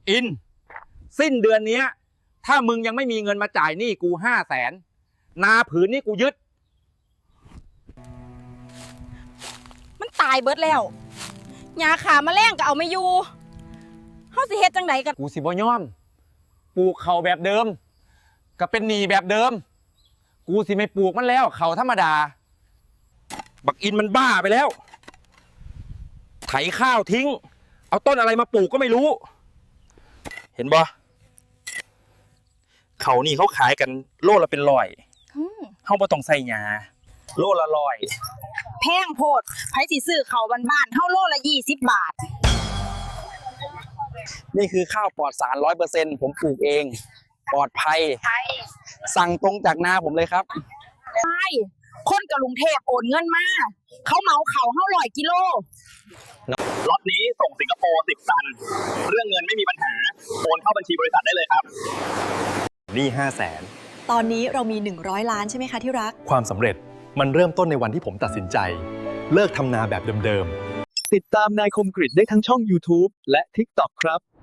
อินสิ้นเดือนนี้ถ้ามึงยังไม่มีเงินมาจ่ายหนี้กู500,000นาผืนนี้กูยึดมันตายเบิดแล้วยาขาแมลงก็เอาไม่อยู่เฮาสิเฮ็ดจังไดกันกูสิบ่ยอมปลูกเขาแบบเดิมก็เป็นหนี้แบบเดิมกูสิไม่ปลูกมันแล้วเขาธรรมดาบักอินมันบ้าไปแล้วไถข้าวทิ้งเอาต้นอะไรมาปลูกก็ไม่รู้เห็นบ่เขานี่เขาขายกันโลละเป็นร้อยเฮาบ่ต้องใส่หญ้าโลละ100 แพงโพดไผสิซื้อข้าวบ้านๆเฮาโลละ20 บาทนี่คือข้าวปลอดสาร 100% ผมปลูกเองปลอดภัยสั่งตรงจากนาผมเลยครับใช่คนกรุงเทพโอนเงินมาเขาเหมาเขาเฮา100 กิโลล็อตนี้ส่งสิงคโปร์10 ตันเรื่องเงินไม่มีปัญหาโอนเข้าบัญชีบริษัทได้เลยครับหนี้500,000 ตอนนี้เรามี100 ล้านใช่ไหมคะที่รักความสำเร็จมันเริ่มต้นในวันที่ผมตัดสินใจเลิกทำนาแบบเดิมติดตามนายคมกฤษได้ทั้งช่อง YouTube และ TikTok ครับ